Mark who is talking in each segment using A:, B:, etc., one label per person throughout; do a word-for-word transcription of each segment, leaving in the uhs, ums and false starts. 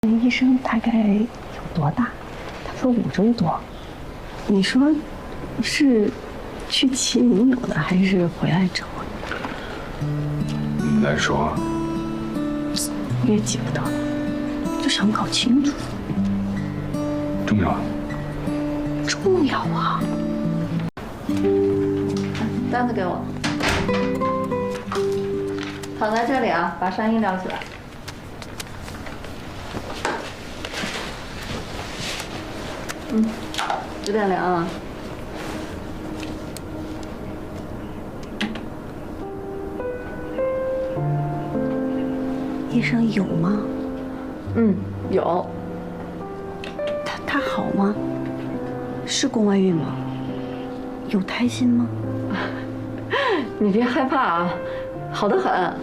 A: 医生大概有多大？他说五周多。你说是去齐明有的，还是回来找我？
B: 你来说，
A: 我也记不得了，就想搞清楚。
B: 重要？
A: 重要啊！
C: 单子给我，躺在这里啊，把上衣撩起来。嗯，有点凉啊。
A: 医生有吗？
C: 嗯，有。
A: 他他好吗？是宫外孕吗？有胎心吗？
C: 你别害怕啊，好得很。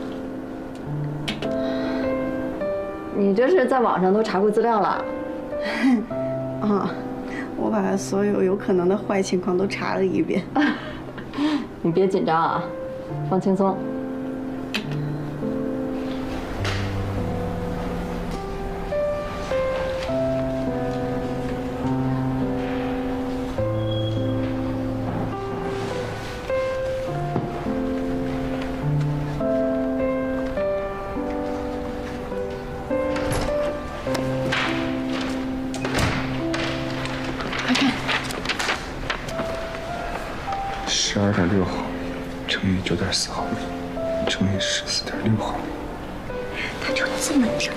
C: 你这是在网上都查过资料了？
A: 啊，我把所有有可能的坏情况都查了一遍。
C: 你别紧张啊，放轻松。
B: 十二点六毫米乘以九点四毫米乘以十四点六毫米，
A: 他就这么整。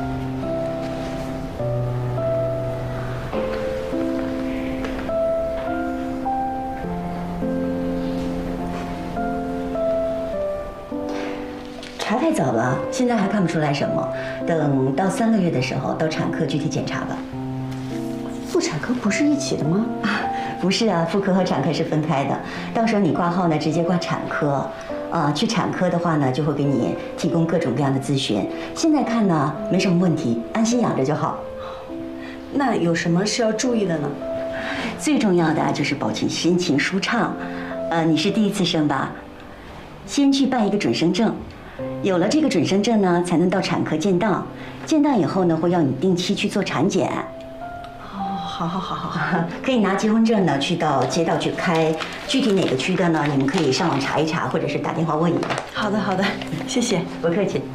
D: 查太早了，现在还看不出来什么。等到三个月的时候，到产科具体检查吧。
A: 妇产科不是一起的吗？
D: 啊，不是啊，妇科和产科是分开的。到时候你挂号呢，直接挂产科。呃，去产科的话呢，就会给你提供各种各样的咨询。现在看呢，没什么问题，安心养着就好。
A: 那有什么是要注意的呢？
D: 最重要的啊就是保持心情舒畅。呃，你是第一次生吧？先去办一个准生证。有了这个准生证呢，才能到产科见到。见到以后呢，会要你定期去做产检。
A: 哦，好好好好好，
D: 可以拿结婚证呢，去到街道去开。具体哪个区的呢？你们可以上网查一查，或者是打电话问一问。
A: 好的好的，谢谢，
D: 不客气。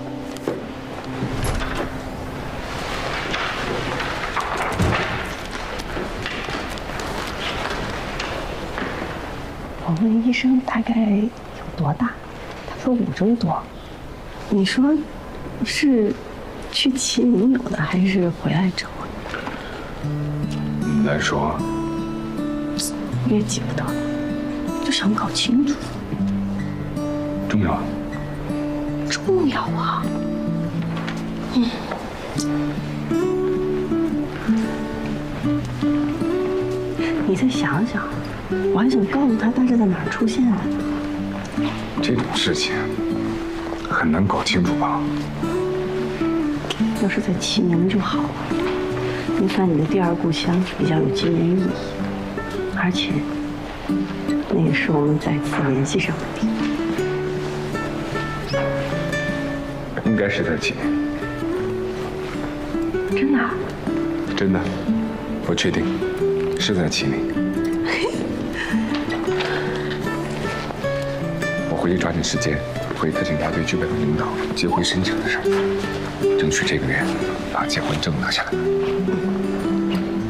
A: 我问医生大概有多大？他说五周多。你说是去齐明有的，还是回来找我？
B: 你来说，
A: 我也记不得了，就想搞清楚。
B: 重要？
A: 重要啊！嗯。你再想想，我还想告诉他大致在哪儿出现的呢。
B: 这种事情很难搞清楚吧？
A: 要是在齐明就好了，你算你的第二故乡，比较有纪念意义，而且那也是我们再次联系上的地方。
B: 应该是在齐明。
A: 真的啊？
B: 真的，我确定是在齐明。我回去抓紧时间回特警大队剧本的领导接回申请的事儿，争取这个月把结婚证拿下来。